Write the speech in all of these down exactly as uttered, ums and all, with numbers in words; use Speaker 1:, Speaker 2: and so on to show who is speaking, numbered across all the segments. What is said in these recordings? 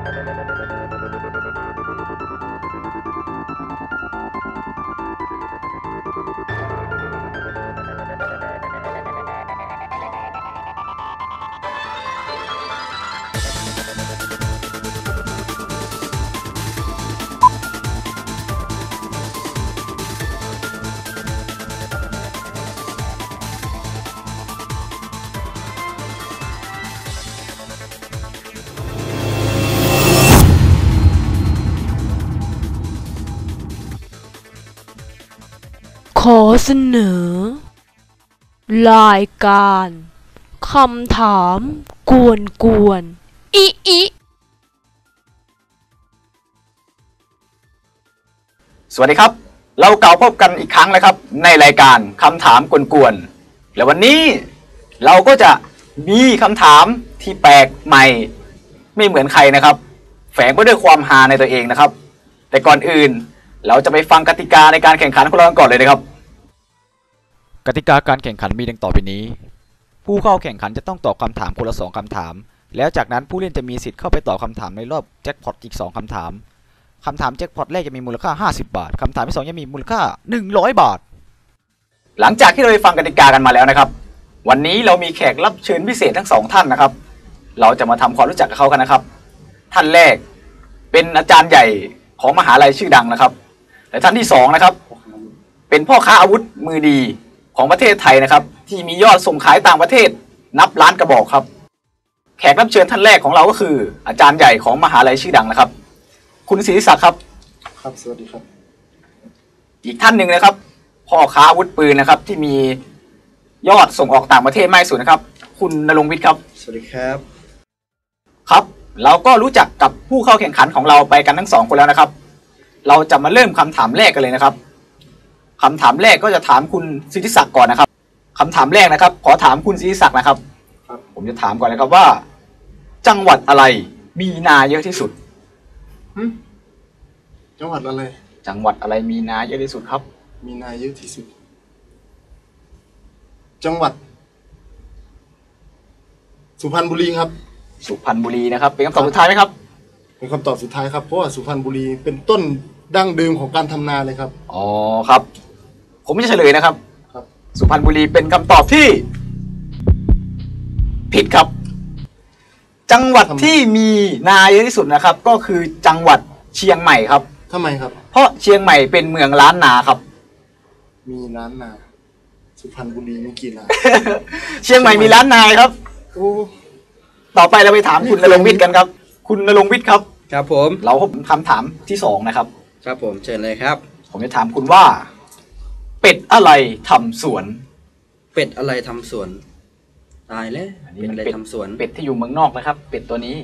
Speaker 1: ขอเสนอรายการคำถามกวนกวนอิอิ
Speaker 2: สวัสดีครับเราเก่าพบกันอีกครั้งแล้วครับในรายการคำถามกวนๆและวันนี้เราก็จะมีคำถามที่แปลกใหม่ไม่เหมือนใครนะครับแฝงไปด้วยความฮาในตัวเองนะครับแต่ก่อนอื่นเราจะไปฟังกติกาในการแข่งขันของเราก่อนเลยนะครับ
Speaker 3: กติกาการแข่งขันมีดังต่อไปนี้ผู้เข้าแข่งขันจะต้องตอบคำถามคนละสองคำถามแล้วจากนั้นผู้เล่นจะมีสิทธิ์เข้าไปตอบคำถามในรอบแจ็คพอตอีกสองคำถามคำถามแจ็คพอตแรกจะมีมูลค่าห้าสิบบาทคำถามที่สองจะมีมูลค่าหนึ่งร้อยบาท
Speaker 2: หลังจากที่เราไปฟังกติกากันมาแล้วนะครับวันนี้เรามีแขกรับเชิญพิเศษทั้งสองท่านนะครับเราจะมาทำความรู้จักกับเขากันนะครับท่านแรกเป็นอาจารย์ใหญ่ของมหาลัยชื่อดังนะครับและท่านที่สองนะครับเป็นพ่อค้าอาวุธมือดีของประเทศไทยนะครับที่มียอดส่งขายต่างประเทศนับล้านกระบอกครับแขกรับเชิญท่านแรกของเราก็คืออาจารย์ใหญ่ของมหาลัยชื่อดังนะครับคุณศรีศักดิ์ครับ
Speaker 4: ครับสวัสดีครับ
Speaker 2: อีกท่านหนึ่งนะครับพ่อค้าอาวุธปืนนะครับที่มียอดส่งออกต่างประเทศมากที่สุดนะครับคุณณรงค์วิทย์ครับ
Speaker 4: สวัสดีครับ
Speaker 2: ครับเราก็รู้จักกับผู้เข้าแข่งขันของเราไปกันทั้งสองคนแล้วนะครับเราจะมาเริ่มคำถามแรกกันเลยนะครับคำถามแรกก็จะถามคุณศิริศักดิ์ก่อนนะครับคำถามแรกนะครับขอถามคุณศิริศักดิ์นะครับผมจะถามก่อนนะครับว่าจังหวัดอะไรมีนาเยอะที่สุด
Speaker 4: จังหวัดอะไร
Speaker 2: จังหวัดอะไรมีนาเยอะที่สุดครับ
Speaker 4: มีนาเยอะที่สุดจังหวัดสุพรรณบุรีครับ
Speaker 2: สุพรรณบุรีนะครับเป็นคำตอบสุดท้ายไหมครับ
Speaker 4: เป็นคำตอบสุดท้ายครับเพราะว่าสุพรรณบุรีเป็นต้นดั้งเดิมของการทำนาเลยครับ
Speaker 2: อ๋อครับผมจะเฉลยนะครับ
Speaker 4: ครับ
Speaker 2: สุพรรณบุรีเป็นคำตอบที่ผิดครับจังหวัดที่มีนาเยอะที่สุดนะครับก็คือจังหวัดเชียงใหม่ครับ
Speaker 4: ทำไมครับ
Speaker 2: เพราะเชียงใหม่เป็นเมืองล้านนาครับ
Speaker 4: มีล้านนาสุพรรณบุรีมีกี่นา
Speaker 2: เชียงใหม่มีล้านนาครับ
Speaker 4: โอ้
Speaker 2: ต่อไปเราไปถามคุณณรงค์วิทย์กันครับคุณณรงค์วิทย์ครับ
Speaker 5: ครับผม
Speaker 2: เราพบคำถามที่สองนะครับ
Speaker 5: ครับผมเชิญเลยครับ
Speaker 2: ผมจะถามคุณว่าเป็ดอะไรทำสวน
Speaker 5: เป็ดอะไรทำสวนตายแล้วเป็ดอะไรทำสวน
Speaker 2: เป็ดที่อยู่เมืองนอกนะครับเป็ดตัวนี้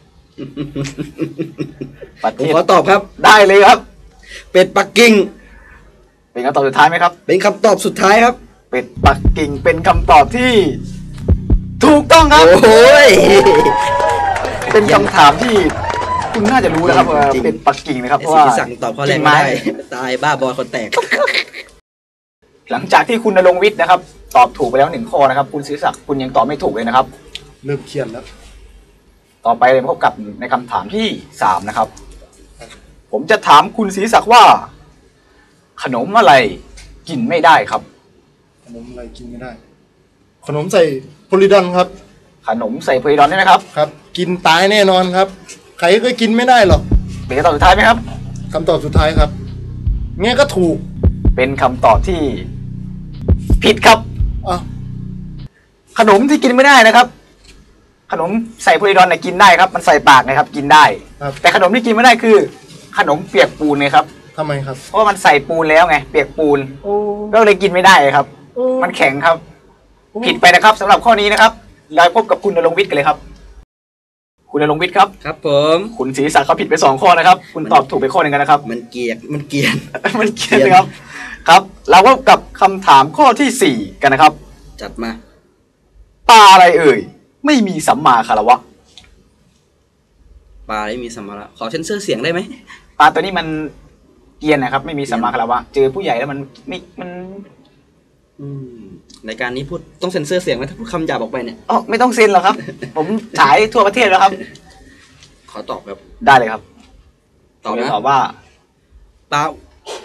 Speaker 5: ผมขอตอบครับ
Speaker 2: ได้เลยครับ
Speaker 5: เป็ดปักกิ่ง
Speaker 2: เป็นคำตอบสุดท้ายไหมครับ
Speaker 5: เป็นคำตอบสุดท้ายครับ
Speaker 2: เป็ดปักกิ่งเป็นคำตอบที่ถูกต้องครับ
Speaker 5: โอ้ย
Speaker 2: เป็นคำถามที่คุณน่าจะรู้นะครับว่าเป็ดปักกิ่งนะครับเพราะว่า
Speaker 5: สั่งตอบข้อแรกไม่ได้ตายบ้าบอคนแตก
Speaker 2: หลังจากที่คุณณรงค์วิทย์นะครับตอบถูกไปแล้วหนึ่งข้อนะครับคุณศรีศักดิ์คุณยังตอบไม่ถูกเลยนะครับ
Speaker 4: เริ่มเครียดแล้ว
Speaker 2: ต่อไปเราพบกับในคำถามที่สามนะครับผมจะถามคุณศรีศักดิ์ว่าขนมอะไรกินไม่ได้ครับ
Speaker 4: ขนมอะไรกินไม่ได้ขนมใส่โพลิดอนครับ
Speaker 2: ขนมใส่โพลิดอนใช่ไหมครับ
Speaker 4: ครับกินตายแน่นอนครับใครก็กินไม่ได้หรอก
Speaker 2: เป็นคำตอบสุดท้ายไหมครับ
Speaker 4: คำตอบสุดท้ายครับเงี้ยก็ถูก
Speaker 2: เป็นคำตอบที่ผิดครับ
Speaker 4: อ๋อ
Speaker 2: ขนมที่กินไม่ได้นะครับขนมใส่โพลิดอนเนี่ยกินได้ครับมันใส่ปากนะครับกินได้แต่ขนมที่กินไม่ได้คือขนมเปียกปูนไงครับ
Speaker 4: ทำไมครับ
Speaker 2: เพราะมันใส่ปูนแล้วไงเปียกปูนก็เลยกินไม่ได้ครับมันแข็งครับผิดไปนะครับสำหรับข้อนี้นะครับเราพบกับคุณณรงค์วิทย์กันเลยครับคุณณรงค์วิทย์ครับ
Speaker 5: ครับผม
Speaker 2: คุณศรีศักดิ์เขาผิดไปสองข้อนะครับคุณตอบถูกไปข้อหนึ่งกันนะครับ
Speaker 5: มันเกียกมันเกียน
Speaker 2: มันเกียนนะครับครับเราพบกับคำถามข้อที่สี่กันนะครับ
Speaker 5: จัดมา
Speaker 2: ปลาอะไรเอ่ยไม่มีสัมมาคารวะ
Speaker 5: ปลาไม่มีสัมมาขอเซ็นเซอร์เสียงได้ไหม
Speaker 2: ปลาตัวนี้มันเกียนนะครับไม่มีสัมมาคารวะเจอผู้ใหญ่แล้วมันไม่มัน
Speaker 5: ในการนี้พูดต้องเซ็นเซอร์เสียงไหมถ้าพูดคำหยาบออกไปเนี่ย
Speaker 2: อ๋อไม่ต้องเซ็นหรอกครับผมฉายทั่วประเทศแล้วครับ
Speaker 5: ขอตอบครับ
Speaker 2: ได้เลยครับ
Speaker 5: ตอบนะ
Speaker 2: ตอบว่า
Speaker 5: เปล่า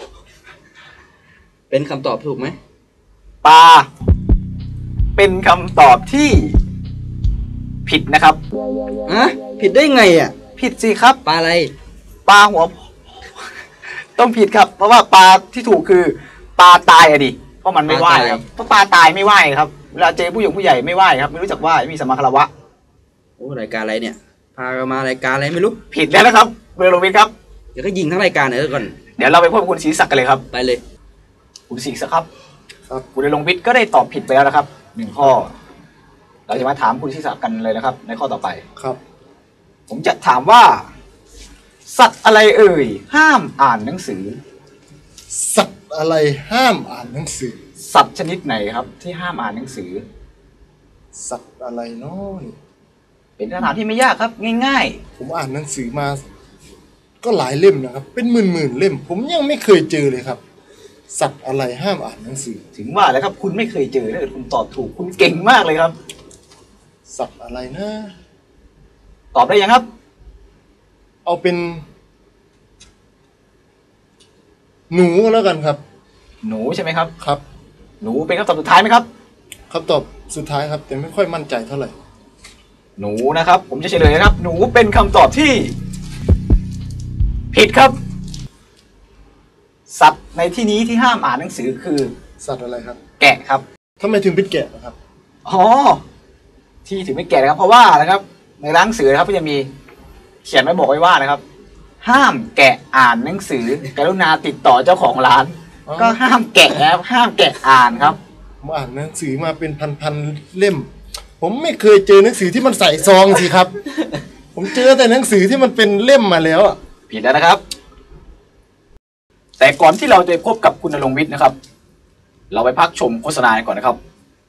Speaker 5: เป็นคำตอบถูกไหม
Speaker 2: ปลาเป็นคำตอบที่ผิดนะครับ
Speaker 5: อะผิดได้ไงอ่ะ
Speaker 2: ผิดสิครับ
Speaker 5: ปลาอะไร
Speaker 2: ปลาหัว ต้องผิดครับ เพราะว่าปลาที่ถูกคือปลาตายอะดิเพราะมันไม่ว่ายครับเพราะปลาตายไม่ว่ายครับเวลาเจอผู้หญิงผู้ใหญ่ไม่ว่ายครับไม่รู้จักว่ายไม่มีสมมาคารวะ
Speaker 5: โอ้รายการอะไรเนี่ย พากันมารายการอะไรไม่รู้
Speaker 2: ผิดแล้วนะครับเบอร์โลวิทครับ
Speaker 5: เดี๋ยวก็ยิงทั้งรายการเลยก่อน
Speaker 2: เดี๋ยวเราไปพบกับคุณศรีศักดิ์กันเลยครับ
Speaker 5: ไปเลย
Speaker 2: คุณศรีศักดิ์ครับ
Speaker 4: ครับ
Speaker 2: คุณเดลงวิทย์ก็ได้ตอบผิดไปแล้วนะครับหนึ่งข้อ เราจะมาถามคุณศรีศักดิ์กันเลยนะครับ ในข้อต่อไป
Speaker 4: ครับ
Speaker 2: ผมจะถามว่า สัตว์อะไรเอ่ย ห้ามอ่านหนังสือ
Speaker 4: สัตว์อะไรห้ามอ่านหนังสือ
Speaker 2: สัตว์ชนิดไหนครับ ที่ห้ามอ่านหนังสือ
Speaker 4: สัตว์อะไรเนาะนี่
Speaker 2: เป็นคำถามที่ไม่ยากครับ ง่าย
Speaker 4: ผมอ่านหนังสือมา ก็หลายเล่มนะครับ เป็นหมื่นหมื่นๆเล่ม ผมยังไม่เคยเจอเลยครับ สัตว์อะไรห้ามอ่านหนังสือ
Speaker 2: ๆ ถึงว่าแล้วครับ คุณไม่เคยเจอถ้าเกิดคุณตอบถูก คุณเก่งมากเลยครับ
Speaker 4: สัตว์อะไรนะ
Speaker 2: ตอบได้ยังครับ
Speaker 4: เอาเป็น หนูก็แล้วกันครับ
Speaker 2: หนูใช่ไหมครับ
Speaker 4: ครับ
Speaker 2: หนูเป็นคำตอบสุดท้ายไหมครับ
Speaker 4: คำตอบสุดท้ายครับ แต่ไม่ค่อยมั่นใจเท่าไหร่
Speaker 2: หนูนะครับ ผมจะเฉลยนะครับ หนูเป็นคำตอบที่ ผิดครับ สัตว์ในที่นี้ที่ห้ามอ่านหนังสือคือ
Speaker 4: สัตว์อะไรครับ
Speaker 2: แกะครับ
Speaker 4: ทำไมถึงเป็นแกะนะครับ
Speaker 2: อ๋อ ที่ถึงไม่แกะนะครับ เพราะว่านะครับ ในร้านหนังสือนะครับก็จะมีเขียนไว้บอกไว้ว่านะครับ ห้ามแกะอ่านหนังสือกรุณาติดต่อเจ้าของร้าน
Speaker 4: อ๋อ
Speaker 2: ก็ห้ามแกะนะครับห้ามแกะอ่านครับ
Speaker 4: ผมอ่านหนังสือมาเป็นพันๆเล่ม ผมไม่เคยเจอหนังสือที่มันใส่ซองสิครับ ผมเจอแต่หนังสือที่มันเป็นเล่มมาแล้วอ่ะ
Speaker 2: ผิดแล้วนะครับ แต่ก่อนที่เราจะพบกับคุณณรงค์วิทย์นะครับ เราไปพักชมโฆษณากันก่อนนะครับ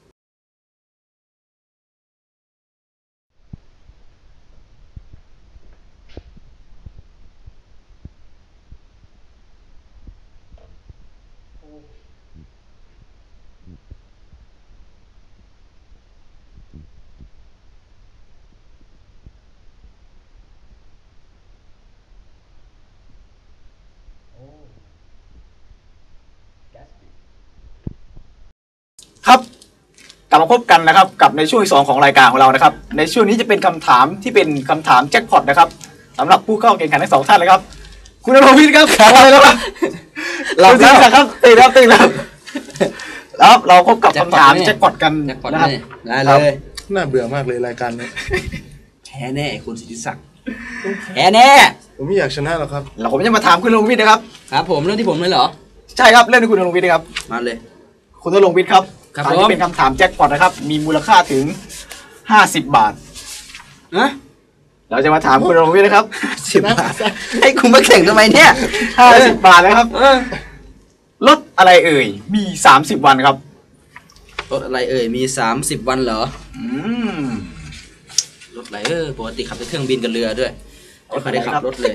Speaker 2: ครับกลับมาพบกันนะครับ กับในช่วงที่สองของรายการของเรานะครับ ในช่วงนี้จะเป็นคำถามที่เป็นคำถามแจ็คพอตนะครับสำหรับผู้เข้าแข่งขันทั้งสองท่านเลยครับ คุณณรงค์วิทย์ครับขอเลยครับ
Speaker 5: หลับแล้ว
Speaker 2: คุณศรีศักดิ์ครับตื่นแล้วตื่นแล้วแล้วเราพบกับคำถาม
Speaker 5: แจ็
Speaker 2: แจ็
Speaker 5: ค
Speaker 2: ค
Speaker 5: พ
Speaker 2: พ
Speaker 5: อ
Speaker 2: อ
Speaker 5: ต
Speaker 2: ตกัน
Speaker 5: แจ็คพอต
Speaker 2: นะครับ
Speaker 5: นี่ได้เลย
Speaker 4: น่าเบื่อมากเลยรายการนี้
Speaker 5: แพ้แน่คุณสิทธิศักดิ์แพ้แน่
Speaker 4: ผมไม่อยากชนะหรอกครับ
Speaker 2: เราผมจะมาถามคุณณรงค์วิทย์นะครับ
Speaker 5: ครับผมเรื่องที่ผมเลยเหรอ
Speaker 2: ใช่ครับเรื่องที่คุณณรงค์วิทย์นะครับ
Speaker 5: มาเลย
Speaker 2: คุณณรงค์วิทย์ครับ
Speaker 5: ครับ
Speaker 2: ถาม
Speaker 5: ผม
Speaker 2: ที่เป็นคำถามแจ็คพอตนะครับ มีมูลค่าถึงห้าสิบบาท
Speaker 5: นะ
Speaker 2: เราจะมาถามคุณณรงค์วิทย์นะครับ
Speaker 5: สิบบาทให้คุณมาแข่งทำไมเนี่ย
Speaker 2: ห้าสิบบาทนะครับ
Speaker 5: เออ
Speaker 2: รถอะไรเอ่ย มีสามสิบวันครับ
Speaker 5: รถอะไรเอ่ยมีสามสิบวันเหรอ
Speaker 2: อืม
Speaker 5: รถอะไรเออปกติขับแต่เครื่องบินกับเรือด้วยไม่เคยได้ขับรถเลย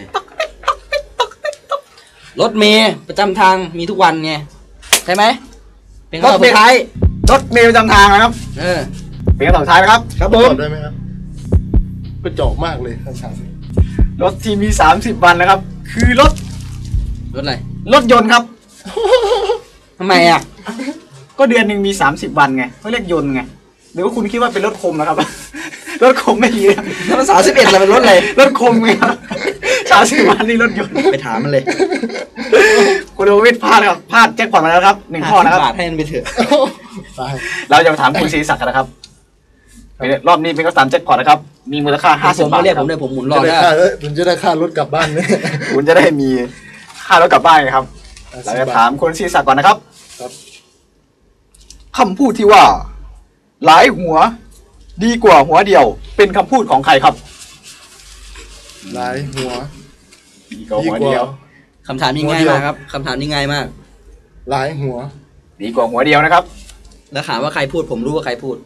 Speaker 5: รถเมย์ประจำทางมีทุกวันไงใช่ไหมเป็นคำตอบสุดท้าย
Speaker 2: รถเมล์ประจำทางนะครับ
Speaker 5: เออ
Speaker 2: เป็นคำตอบสุดท้ายนะครับ
Speaker 4: ครับตอบได้ไหมครับกระจอกมากเลยคำถามนี้
Speaker 2: รถที่มีสามสิบวันนะครับ คือรถ
Speaker 5: รถอะไร
Speaker 2: รถยนต์ครับ
Speaker 5: ทำไมอ่ะ
Speaker 2: ก็เดือนหนึ่งมีสามสิบวันไงเขาเรียกยนต์ไงหรือว่าคุณคิดว่าเป็นรถคมนะครับ รถคมไม่ดีนะ
Speaker 5: แล้วมันสามสิบเอ็ดเราเป็นรถอะไร
Speaker 2: รถคมไงครับสามสิบวันนี่รถยนต์
Speaker 5: ไปถามมันเลย
Speaker 2: คุณโอวิทย์พลาดครับพลาดแจ็คพอตมาแล้วครับหนึ่งข้อนะครับ
Speaker 5: บาทให้มันไปเถอะ
Speaker 4: ตาย
Speaker 2: เราจะมาถามคุณศรีศักดิ์กันนะครับเป็นรอบนี้เป็นคำถามแจ็คพอตนะครับ มีมูลค่าห้าสิ
Speaker 5: ผ
Speaker 2: บ
Speaker 5: ม
Speaker 2: บาท
Speaker 5: เรียก
Speaker 2: ค
Speaker 5: ผ
Speaker 2: รับ
Speaker 5: มเลยผมหมุนรอ
Speaker 4: จะได้
Speaker 5: ได้
Speaker 4: ค่าเอ้ยผมจะได้ค่ารถกลับบ้านเนี่ย
Speaker 2: คุณจะได้มีค่ารถกลับบ้านครับ เราจะถามคุณศรีศักดิ์ก่อนนะครับ
Speaker 4: ครับ
Speaker 2: คำพูดที่ว่า หลายหัว ดีกว่าหัวเดียว เป็นคำพูดของใครครับ
Speaker 4: หลายหัว
Speaker 2: ดีกว่า
Speaker 4: ดี
Speaker 2: หัว
Speaker 4: กว่า
Speaker 2: เดียว
Speaker 5: คำถามนี้ง่ายมากครับคำถามนี้ง่ายมาก
Speaker 4: หลายหัว
Speaker 2: ดีกว่าหัวเดียวนะครับ
Speaker 5: แล้วถามว่าใครพูดผมรู้ว่าใครพูด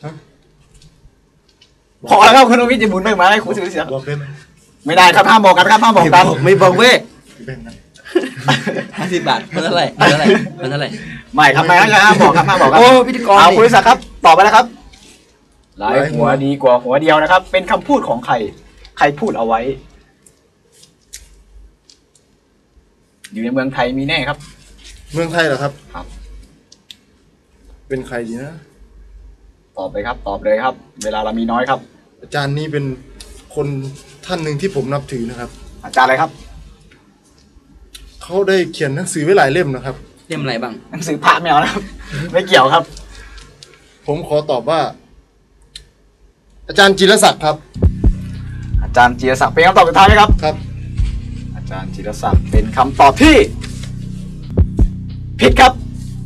Speaker 2: พอแล้วครับคุณโอวิทย์จะหมุนไปมาให้คุณศรีศักดิ์
Speaker 4: บอกได้ไหม
Speaker 2: ไม่ได้ครับห้ามบอกกันครับห้ามบอกกัน
Speaker 5: ไม่บอกเว้ย
Speaker 4: แบ่งกัน
Speaker 5: ห้าสิบบาทมันเท่าไหร่มันเท่าไหร่มันเท่าไหร่
Speaker 2: ไม่ครับไม่ครับห้ามบอกครับห้ามบอกครับ
Speaker 5: โอ้พิธีกร
Speaker 2: เอา
Speaker 5: นี่
Speaker 2: คุณศรีศักดิ์ครับตอบไปแล้วครับ หลายหัวดีกว่าหัวเดียวนะครับ เป็นคำพูดของใคร ใครพูดเอาไว้อยู่ในเมืองไทยมีแน่ครับ
Speaker 4: เมืองไทยเหรอครับ
Speaker 2: ครับ
Speaker 4: เป็นใครดีนะ
Speaker 2: ตอบเลยครับ ตอบเลยครับ เวลาเรามีน้อยครับ
Speaker 4: อาจารย์นี้เป็นคนท่านหนึ่งที่ผมนับถือนะครับ
Speaker 2: อาจารย์อะไรครับ
Speaker 4: เขาได้เขียนหนังสือไว้หลายเล่มนะครับ
Speaker 5: เล่มอะไรบ้าง
Speaker 2: หนังสือพระไม่เอานะครับ ไม่เกี่ยวครับ
Speaker 4: ผมขอตอบว่า อาจารย์จิรศักดิ์ครับ
Speaker 2: อาจารย์จิรศักดิ์เป็นคำตอบสุดท้ายไหมครับ
Speaker 4: ครับ
Speaker 2: อาจารย์จิรศักดิ์เป็นคำตอบที่ผิดครับ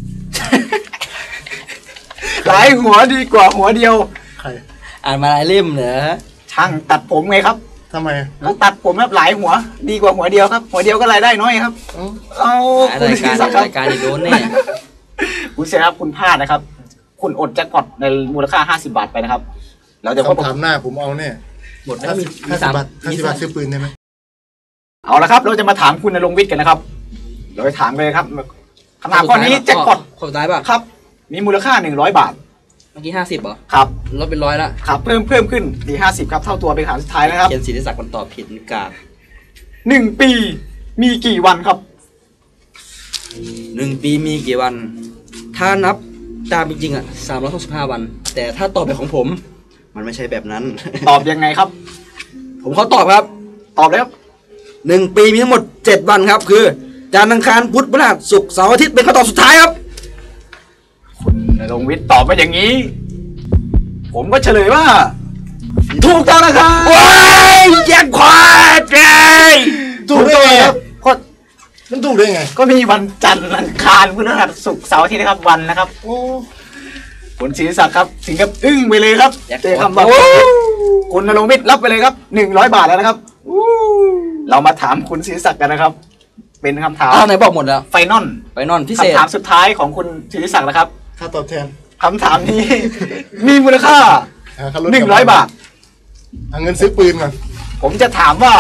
Speaker 2: หลายหัวดีกว่าหัวเดียว
Speaker 4: ใคร
Speaker 5: อ่านมาหลายเล่มเหรอ
Speaker 2: ช่างตัดผมไงครับ
Speaker 4: ทำไม
Speaker 2: แล้วตัดผมแบบหลายหัว ดีกว่าหัวเดียวครับ หัวเดียวก็รายได้น้อยครับ
Speaker 4: เอ้า
Speaker 2: เอา
Speaker 5: ราย
Speaker 2: คุณศิ
Speaker 5: การ
Speaker 2: ริศักดิ์ครับ
Speaker 5: รายการอีกโดนแน่
Speaker 2: คุณเสียครับคุณพลาดนะครับ คุณอดแจ็คพอตในมูลค่าห้าสิบบาทไปนะครับ เราจะพบ
Speaker 4: คำถามหน้าผมเอาแน่
Speaker 5: หมดแล้ว
Speaker 4: ห้า
Speaker 5: มี
Speaker 4: สิบ
Speaker 5: มี
Speaker 4: ห้าสิ
Speaker 5: สา
Speaker 4: บ
Speaker 5: ม
Speaker 4: บาทห้า
Speaker 5: มี
Speaker 4: สิบบา
Speaker 5: สา
Speaker 4: ท
Speaker 5: ม
Speaker 4: ซื้อปืนได้ไหม
Speaker 2: เอาละครับเราจะมาถามคุณณรงค์วิทย์กันนะครับเราจะถามเลยครับคำถามข้อนี้แจ็คพอต
Speaker 5: ข้อสุดท้ายป่ะ
Speaker 2: ครับ มีมูลค่าหนึ่งร้อยบาท
Speaker 5: เมื่อกี้ห้าสิบเหรอ
Speaker 2: ครับ
Speaker 5: ลดเป็นร้อยละ
Speaker 2: ครับเพิ่มเพิ่มขึ้นดีห้าสิบครับเท่าตัวเป็นคำถามสุดท้ายนะครับ
Speaker 5: เขียนศิริศักดิ์มันตอบผิดกาด
Speaker 2: หนึ่งปีมีกี่วันครับ
Speaker 5: หนึ่งปีมีกี่วัน ถ้านับตามจริงๆอ่ะสามร้อยหกสิบห้าวัน แต่ถ้าตอบแบบของผม มันไม่ใช่แบบนั้น
Speaker 2: ตอบยังไงครับ
Speaker 5: ผมเขาตอบครับ
Speaker 2: ตอบเลยครับ
Speaker 5: หนึ่งปีมีทั้งหมดเจ็ดวันครับ คือจันทร์อังคารพุธพฤหัสศุกร์เสาร์อาทิตย์เป็นคำตอบสุดท้ายครับ
Speaker 2: คุณณรงค์วิทย์ตอบมาอย่างนี้ ผมก็เฉลยว่า ถูกต้องนะครับ
Speaker 5: ว้ายแจ็คพอตเลย
Speaker 4: ถูกได้ไง
Speaker 2: ครับก็
Speaker 4: มันถูกได้ไง
Speaker 2: ก็มีวันจันทร์อังคารพฤหัสศุกร์เสาร์อาทิตย์นะครับวันนะครับ
Speaker 4: โอ้
Speaker 2: คุณศิริศักดิ์ครับถึงกับอึ้งไปเลยครับ
Speaker 5: แจ็ค
Speaker 2: เจอ
Speaker 5: พอต
Speaker 2: คำตอบคุณณรงค์วิทย์รับไปเลยครับหนึ่งร้อยบาทแล้วนะครับเรามาถามคุณศิริศักดิ์กันนะครับ เป็นคำถาม
Speaker 5: อ้าวไหนบอกหมดแล้ว
Speaker 2: ไฟนอล
Speaker 5: ไปนอนพิเศษ
Speaker 2: คำถามสุดท้ายของคุณศิริศักดิ์นะครับ
Speaker 4: ค่าตอบแทน
Speaker 2: คำถามนี้ มีมูลค่า
Speaker 4: หาค่ารถ
Speaker 2: หนึ่งร้อยบาท
Speaker 4: หาเงินซื้อปืนก่อน
Speaker 2: ผมจะถามว่า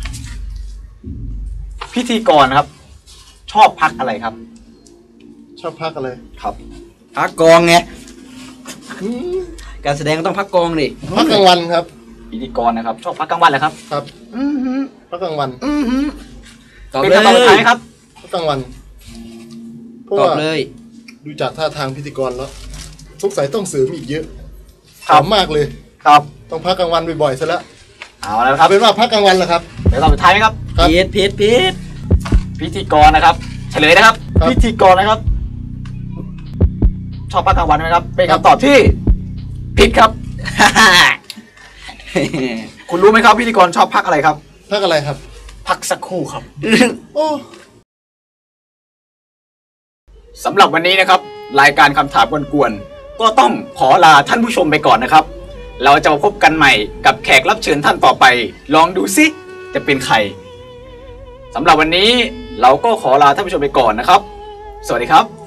Speaker 2: พิธีกรครับ ชอบพักอะไรครับ
Speaker 4: ชอบพักอะไร
Speaker 2: ครับ
Speaker 5: พักกองไง
Speaker 4: อืม
Speaker 5: การแสดงก็ต้องพักกองดิ
Speaker 4: พักกลางวันครับ
Speaker 2: พิธีกรนะครับ ชอบพักกลางวันเหรอครับ
Speaker 4: ครับ
Speaker 2: อือหือ
Speaker 4: พักกลางวัน
Speaker 2: อือหือ
Speaker 5: ตอบ
Speaker 2: เป็น
Speaker 5: เลย
Speaker 2: คำตอบสุดท้ายครับ
Speaker 4: พักกลางวันเพราะ
Speaker 5: ตอบ
Speaker 4: ว่า
Speaker 5: เลย
Speaker 4: ดูจากท่าทางพิธีกรแล้วสงสัยต้องเสริมอีกเยอะ
Speaker 2: ครับ
Speaker 4: ถามมากเลย
Speaker 2: ครับ
Speaker 4: ต้องพักกลางวันบ่อยๆซะแล้ว
Speaker 2: เอาแล้วค
Speaker 4: เอา
Speaker 2: รับ
Speaker 4: เป็นว่าพักกลางวันแหละครับ
Speaker 2: เดี๋ยวตอบสุดท้ายไหมครับ
Speaker 4: ครับ
Speaker 5: พีทพีทพีท
Speaker 2: พิธีกรนะครับ เฉลยนะครับ
Speaker 4: ครับ
Speaker 2: พิธีกรนะครับ ชอบพักกลางวันไหมครับ เป็นคำตอบที่ผิดครับ คุณรู้ไหมครับ พิธีกรชอบพักอะไรครับ
Speaker 4: พักอะไรครับ
Speaker 2: พักสักครู่ครับ
Speaker 4: โอ้
Speaker 2: สำหรับวันนี้นะครับ รายการคำถามกวนๆก็ต้องขอลาท่านผู้ชมไปก่อนนะครับ เราจะมาพบกันใหม่กับแขกรับเชิญท่านต่อไป ลองดูซิจะเป็นใครสำหรับวันนี้เราก็ขอลาท่านผู้ชมไปก่อนนะครับ สวัสดีครับ